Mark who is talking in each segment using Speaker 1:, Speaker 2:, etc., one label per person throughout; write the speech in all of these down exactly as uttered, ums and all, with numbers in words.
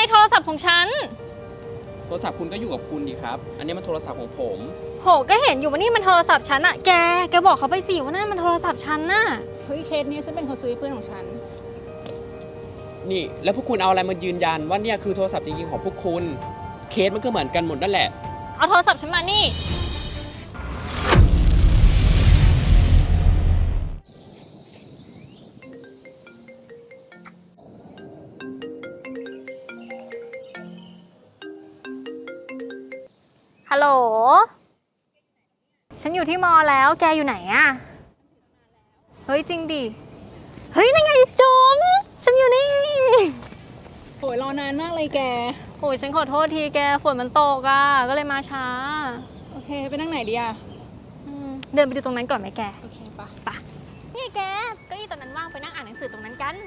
Speaker 1: โทรศัพท์ของฉัน
Speaker 2: โทรศัพท์คุณก็อยู่กับคุณดีครับอันนี้มันโทรศัพท์ของผม
Speaker 1: โหก็เห็นอยู่ว่านี่มันโทรศัพท์ฉันอะแกแกบอกเขาไปสิว่านั่นมันโทรศัพท์ฉันน่ะ
Speaker 3: เฮ้ยเคสนี้ฉันเป็นคนซื้อเพื่อนของฉัน
Speaker 2: นี่แล้วพวกคุณเอาอะไรมายืนยันว่าเนี่ยคือโทรศัพท์จริงๆของพวกคุณเคสมันก็เหมือนกันหมดนั่นแหละ
Speaker 1: เอาโทรศัพท์ฉันมานี่ฮัลโหลฉันอยู่ที่มอแล้วแกอยู่ไหนอะเฮ้ยจริงดิเฮ้ยนั่นไงจมฉันอยู่นี่
Speaker 3: โหยรอนานมากเลยแก
Speaker 1: โอ้ยฉันขอโทษทีแกฝนมันตกอะก็เลยมาช้า
Speaker 3: โอเคไปนั่งไหนดีอะ
Speaker 1: เดินไปดูตรงนั้นก่อนไหมแก
Speaker 3: โอเคปะ
Speaker 1: ปะนี่แกเก้าอี้ตอนนั้นว่างไปนั่งอ่านหนังสือตรงนั้นกัน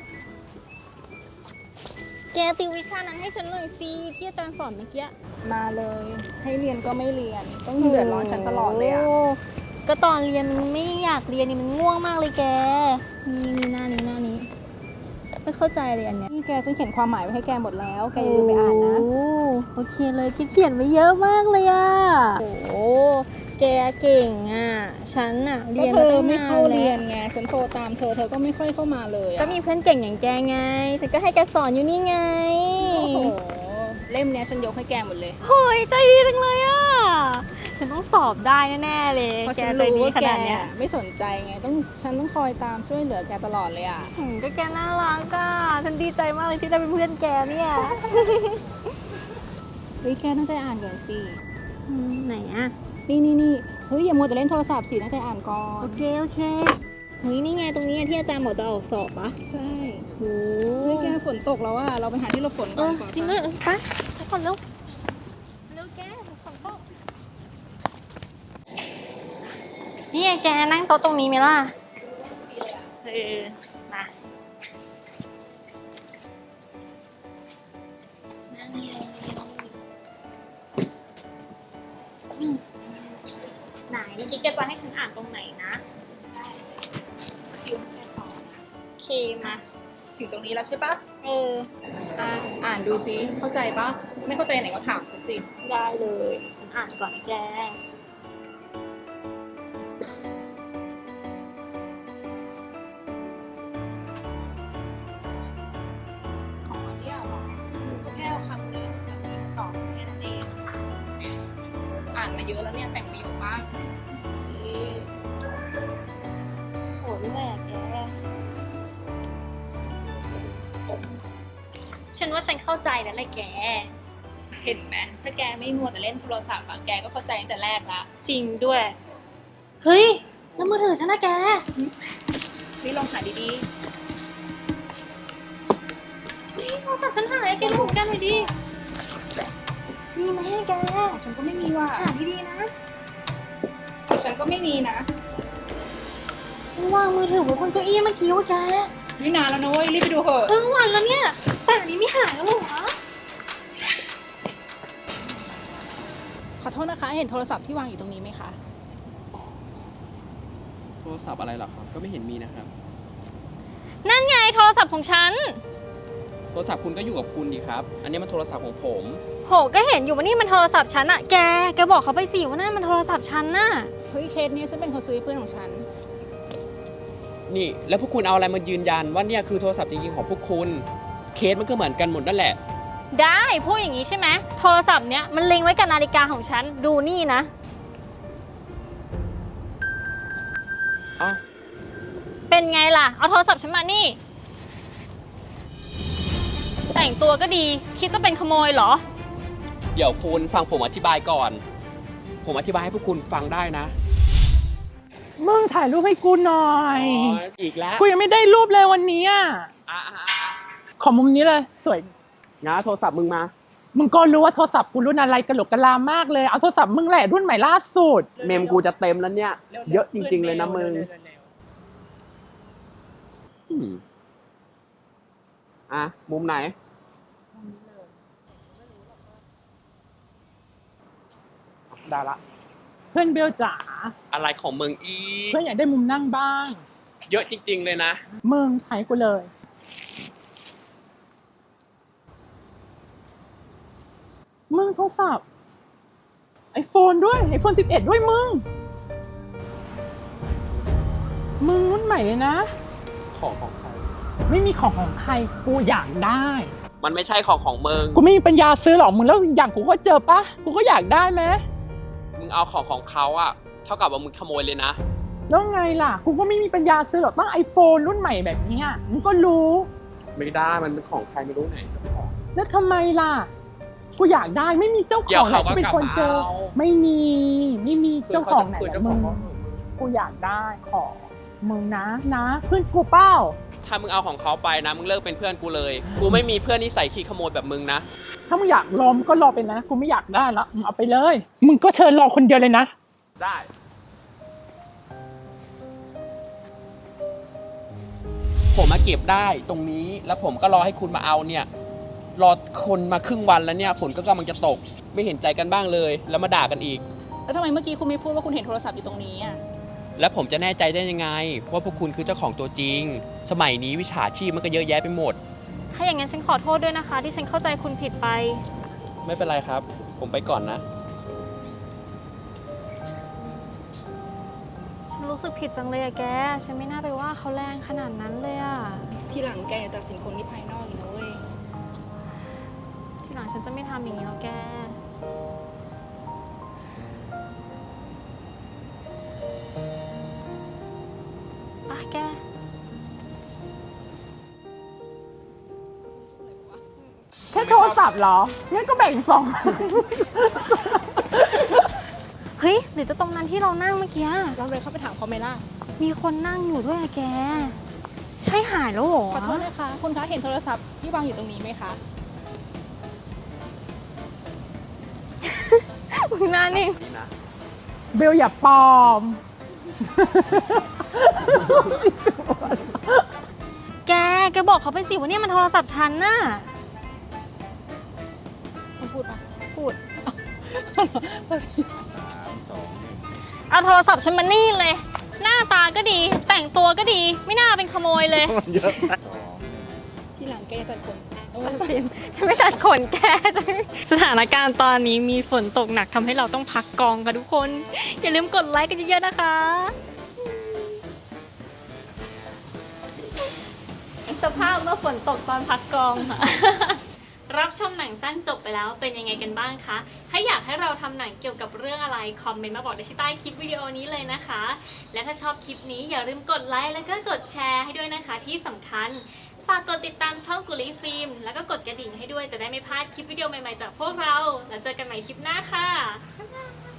Speaker 1: แกติววิชานั้นให้ฉันหน่อยสิที่อาจารย์สอนเมื่อกี้
Speaker 3: มาเลยให้เรียนก็ไม่เรียนต้องเดือดร้อนฉันตลอดเลยอะ
Speaker 1: ก็ตอนเรียนมันไม่อยากเรียนนี่มันง่วงมากเลยแกนี่นี่หน้านี้หน้านี้ไม่เข้าใจเลยอันเนี้ย
Speaker 3: นี่แกฉันเขียนความหมายไว้ให้แกหมดแล้วแกอย่าลืมไปอ่านนะ
Speaker 1: โอเคเลยเขียนไว้เยอะมากเลยอะโอ้แกเก่งอ่ะฉันอ่ะเรียนมาตั้งนาน
Speaker 3: เรียนไงฉันโทรตามเธอเธอก็ไม่ค่อยเข้ามาเลย
Speaker 1: ก็มีเพื่อนเก่งอย่างแกไงฉันก็ให้แกสอนอยู่นี่ไง
Speaker 3: โอ้โหเล่มเนี้ยฉันยกให้แกหมดเลย
Speaker 1: โอ้ยใจดีจังเลยอ่ะฉันต้องสอบได้แน่ๆเลย
Speaker 3: แกใจดีขนาดเนี้ยไม่สนใจไงต้องฉันต้องคอยตามช่วยเหลือแกตลอดเลยอ่ะ
Speaker 1: ก็แกน่ารักอ่ะฉันดีใจมากเลยที่ได้เป็นเพื่อนแกเนี่ย
Speaker 3: เฮ้ยแกตั้งใจอ่านก่อนสิ
Speaker 1: ไหนอ่ะ
Speaker 3: นี่นี่นี่เฮ้ยอย่ามัวแต่เล่นโทรศัพท์สิตั้งใจอ่านก่อน
Speaker 1: โอเคโอเคเฮ้ยนี่ไงตรงนี้ที่อาจารย์บอกจะออกสอบปะ
Speaker 3: ใช่โอ้ยแกฝนตกแล้วอ่ะเราไปหาที่หลบฝนก่อน
Speaker 1: จริงเลยไปไปก่อนเร็วเร็วแกฝนตกนี่แกนั่งโต๊ะตรงนี้ไหมล่ะเออมาไหนนี่แกจะให้ฉันอ่านตรงไหนนะโอเคมา
Speaker 3: ถึงตรงนี้แล้วใช่ปะ
Speaker 1: เออ
Speaker 3: อ่าอ่านดูซิเข้าใจปะไม่เข้าใจไหนก็ถามฉันสิ
Speaker 1: ได้เลยฉันอ่านก่อนนะแก
Speaker 3: อ่านมาเยอะแล้วเนี่ยแต่งประโยคมาก
Speaker 1: โหดด้วยอะแกฉันว่าฉันเข้าใจแล้วแหละแก
Speaker 3: เห็นไหมถ้าแกไม่มัวแต่เล่นโทรศัพท์อะแกก็เข้าใจตั้งแต่แรกละ
Speaker 1: จริงด้วยเฮ้ยแล้วมือถือฉันนะแก
Speaker 3: นี่ลองหาดี
Speaker 1: ๆนี่โทรศัพท์ฉันหายแกดูของแกหน่อยดิมีไหมแก
Speaker 3: ฉันก็ไม่มีว่ะ
Speaker 1: หาดีๆนะ
Speaker 3: ฉันก็ไม่มีนะ
Speaker 1: ฉันวางมือถือไว้บนเก้าอี้เมื่อกี้ว่าแก
Speaker 3: นี่นานแล้วนะเว้ยรีบไปดูเถอะ
Speaker 1: ครึ่งวันแล้วเนี่ยแต่อันนี้ไม่หายแล้วเหรอ
Speaker 3: ขอโทษนะคะเห็นโทรศัพท์ที่วางอยู่ตรงนี้ไหมคะ
Speaker 2: โทรศัพท์อะไรหรอครับก็ไม่เห็นมีนะครับ
Speaker 1: นั่นไงโทรศัพท์ของฉัน
Speaker 2: โทรศัพท์คุณก็อยู่กับคุณดีครับอันนี้มันโทรศัพท์ของผม
Speaker 1: โหก็เห็นอยู่ว่านี่มันโทรศัพท์ฉันอะแกแกบอกเขาไปสิว่านั่นมันโทรศัพท์ฉันน่ะ
Speaker 3: เฮ้ยเคสนี้ฉันเป็นคนซื้อเพื่อนของฉัน
Speaker 2: นี่แล้วพวกคุณเอาอะไรมายืนยันว่าเนี่ยคือโทรศัพท์จริงๆของพวกคุณเคสมันก็เหมือนกันหมดนั่นแหละ
Speaker 1: ได้พูดอย่างนี้ใช่ไหมโทรศัพท์เนี้ยมันลิงก์ไว้กับนาฬิกาของฉันดูนี่นะ
Speaker 2: อ้าว
Speaker 1: เป็นไงล่ะเอาโทรศัพท์ฉันมานี่แต่งตัวก็ดีคิดจะเป็นขโมยเหรอ
Speaker 2: เดี๋ยวคุณฟังผมอธิบายก่อนผมอธิบายให้พวกคุณฟังได้นะ
Speaker 4: มึงถ่ายรูปให้กูหน่อย
Speaker 2: อีกแล้ว
Speaker 4: กูยังไม่ได้รูปเลยวันนี้อ่ะขอมุมนี้เลยสวย
Speaker 2: นะโทรศัพท์มึงมา
Speaker 4: มึงก็รู้ว่าโทรศัพท์กูรุ่นอะไรกระโหลกกะลามากเลยเอาโทรศัพท์มึงแหละรุ่นใหม่ล่าสุด
Speaker 2: เมมกูจะเต็มแล้วเนี่ยเยอะจริงๆเลยนะมึงอ่ะมุมไหนได้ละ
Speaker 4: เพื่อนเบลจ๋า
Speaker 2: อะไรของมึงอี
Speaker 4: เพื่อนอยากได้มุมนั่งบ้าง
Speaker 2: เยอะจริงๆเลยนะ
Speaker 4: มึงถ่ายกูเลยมึงโทรศัพท์ไอโฟนด้วยไอโฟนสิบเอ็ดด้วยมึงมึงรุ่นใหม่เลยนะ
Speaker 2: ของของใคร
Speaker 4: ไม่มีของของใครกูอยากได้
Speaker 2: มันไม่ใช่ของของมึง
Speaker 4: กูไม่มีปัญญาซื้อหรอกมึงแล้วอย่างกูก็เจอปะกูก็อยากได้ไหม
Speaker 2: มึงเอาของของเขาอะเท่ากับว่ามึงขโมยเลยนะ
Speaker 4: แล้วไงล่ะกูก็ไม่มีปัญญาซื้อหรอกต้องไอโฟนรุ่นใหม่แบบนี้มึงก็รู้
Speaker 2: ไม่ได้มันเป็นของใครไม่รู้ไหนเจ้าของ
Speaker 4: แล้วทำไมล่ะกูอยากได้ไม่มีเจ้าข
Speaker 2: เดี๋ย
Speaker 4: อ
Speaker 2: ว
Speaker 4: งไหน
Speaker 2: เขาก็
Speaker 4: ที่เป็นคนเจอ
Speaker 2: กลับมาเอา
Speaker 4: ไม่มีไม่มีเจ้าของไหน
Speaker 2: คื
Speaker 4: นะ
Speaker 2: เจ้าข
Speaker 4: มึ
Speaker 2: อง
Speaker 4: ง
Speaker 2: เขา
Speaker 4: กูอยากได้ของมึงนะนะเพื่อนกูเป้า
Speaker 2: ถ้ามึงเอาของเขาไปนะมึงเลิกเป็นเพื่อนกูเลย กูไม่มีเพื่อนนิสัยขี้ขโมยแบบมึงนะ
Speaker 4: ถ้ามึงอยากรอมงก็รอไปนะกูไม่อยากได้ละมึงเอาไปเลย มึงก็เชิญรอคนเดียวเลยนะ
Speaker 2: ได้ ผมมาเก็บได้ตรงนี้แล้วผมก็รอให้คุณมาเอาเนี่ยรอคนมาครึ่งวันแล้วเนี่ยฝนก็กำลังจะตกไม่เห็นใจกันบ้างเลยแล้วมาด่ากันอีก
Speaker 3: แล้วทำไมเมื่อกี้คุณไม่พูดว่าคุณเห็นโทรศัพท์อยู่ตรงนี้อ่ะ
Speaker 2: แล้วผมจะแน่ใจได้ยังไงว่าพวกคุณคือเจ้าของตัวจริง สมัยนี้วิชาชีพมันก็เยอะแยะไปหมด
Speaker 1: ถ้าอย่างนั้นฉันขอโทษด้วยนะคะ ที่ฉันเข้าใจคุณผิดไป
Speaker 2: ไม่เป็นไรครับ ผมไปก่อนนะ
Speaker 1: ฉันรู้สึกผิดจังเลยอะแก ฉันไม่น่าไปว่าเขาแรงขนาดนั้นเลยอะ
Speaker 3: ทีหลังแกอย่าตัดสินคนที่ภายนอกอีกนะเว้ย
Speaker 1: ทีหลังฉันจะไม่ทำอย่างนี้แล้วแก อ่ะแก
Speaker 4: แค่โทรศัพท์เหรองั้นก็แบ่งสอง
Speaker 1: เฮ้ยหรือจะตรงนั้นที่เรานั่งเมื่อกี้
Speaker 3: เราเลยเข้าไปถามเขาไหมล่ะ
Speaker 1: มีคนนั่งอยู่ด้วยอะแก ใช่หายแล้วเหรอ
Speaker 3: ขอโทษนะคะ คุณคะเห็นโทรศัพท์ที่วางอยู่ตรงนี้ไหมคะ
Speaker 1: มึงหน้านิ่ง
Speaker 2: นี่นะ
Speaker 4: เบลอย่าปลอม
Speaker 1: แก แกบอกเขาไปสิว่าเนี่ยมันโทรศัพท์ฉันน่ะ
Speaker 3: คุณพูดปะ
Speaker 1: พูด เอาโทรศัพท์ฉันมานี่เลย หน้าตาก็ดี แต่งตัวก็ดี ไม่น่าเป็นขโมยเลย
Speaker 3: ทีหลังแกอย่าตัดคนโอ้
Speaker 1: ตัดสินฉันไม่ตัดขนแกฉันสถานการณ์ตอนนี้มีฝนตกหนักทำให้เราต้องพักกองค่ะทุกคน อย่าลืมกดไลค์กันเยอะๆนะคะสภาพเมื่อฝนตกตอนพักกองค่ะ รับชมหนังสั้นจบไปแล้วเป็นยังไงกันบ้างคะ ถ้าอยากให้เราทำหนังเกี่ยวกับเรื่องอะไรคอมเมนต์มาบอกได้ที่ใต้คลิปวิดีโอนี้เลยนะคะ และถ้าชอบคลิปนี้อย่าลืมกดไลค์แล้วก็กดแชร์ให้ด้วยนะคะที่สำคัญ ฝากกดติดตามช่องกุลีฟิล์มแล้วก็กดกระดิ่งให้ด้วยจะได้ไม่พลาดคลิปวิดีโอใหม่ๆจากพวกเรา แล้วเจอกันใหม่คลิปหน้าค่ะบ๊ายบาย